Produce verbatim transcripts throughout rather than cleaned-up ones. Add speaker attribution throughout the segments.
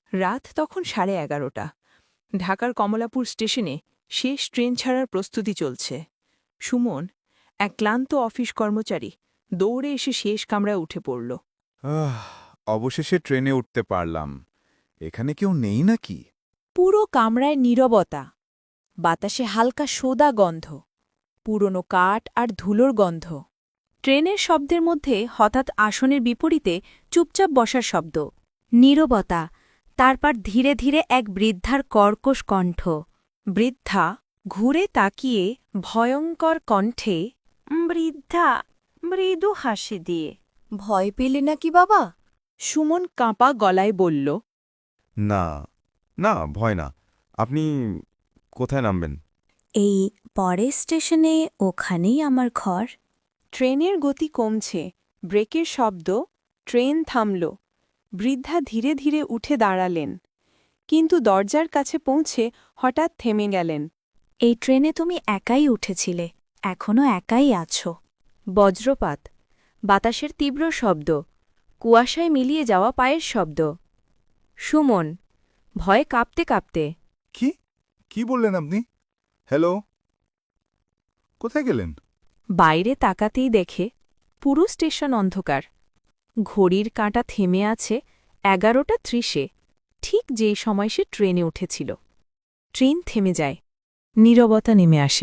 Speaker 1: রাত তখন সাড়ে এগারোটা। ঢাকার কমলাপুর স্টেশনে শেষ ট্রেন ছাড়ার প্রস্তুতি চলছে। সুমন, এক ক্লান্ত অফিস কর্মচারী, দৌড়ে এসে শেষ কামরায় উঠে পড়ল।
Speaker 2: আহ, অবশেষে ট্রেনে উঠতে পারলাম। এখানে কেউ নেই নাকি?
Speaker 3: পুরো কামরায় নীরবতা, বাতাসে হালকা সোদা গন্ধ, পুরনো কাঠ আর ধুলোর গন্ধ। ট্রেনের শব্দের মধ্যে হঠাৎ আসনের বিপরীতে চুপচাপ বসার শব্দ, নীরবতা, তারপর ধীরে ধীরে এক বৃদ্ধার কর্কশ কণ্ঠ। বৃদ্ধা ঘুরে তাকিয়ে ভয়ঙ্কর কণ্ঠে, বৃদ্ধা মৃদু হাসি দিয়ে, ভয় পেলে নাকি বাবা?
Speaker 1: সুমন কাঁপা গলায় বলল,
Speaker 4: না না ভয় না। আপনি কোথায় নামবেন?
Speaker 3: এই পরের স্টেশনে, ওখানেই আমার ঘর।
Speaker 1: ট্রেনের গতি কমছে, ব্রেকের শব্দ, ট্রেন থামল। বৃদ্ধা ধীরে ধীরে উঠে দাঁড়ালেন, কিন্তু দরজার কাছে পৌঁছে হঠাৎ থেমে গেলেন।
Speaker 3: এই ট্রেনে তুমি একাই উঠেছিলে, এখনও একাই আছো। বজ্রপাত, বাতাসের তীব্র শব্দ, কুয়াশায় মিলিয়ে যাওয়া পায়ের শব্দ। সুমন ভয়ে কাঁপতে কাঁপতে,
Speaker 2: কি কি বললেন আপনি? হ্যালো, কোথায় গেলেন?
Speaker 1: বাইরে তাকাতেই দেখে পুরো স্টেশন অন্ধকার। ঘড়ির কাঁটা থেমে আছে এগারোটা ত্রিশে, ঠিক যেই সময় সে ট্রেনে উঠেছিল। ট্রেন থেমে যায়, নীরবতা নেমে আসে।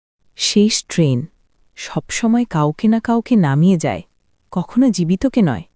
Speaker 1: শেষ ট্রেন, সবসময় কাউকে না কাউকে নামিয়ে যায়, কখনো জীবিতকে নয়।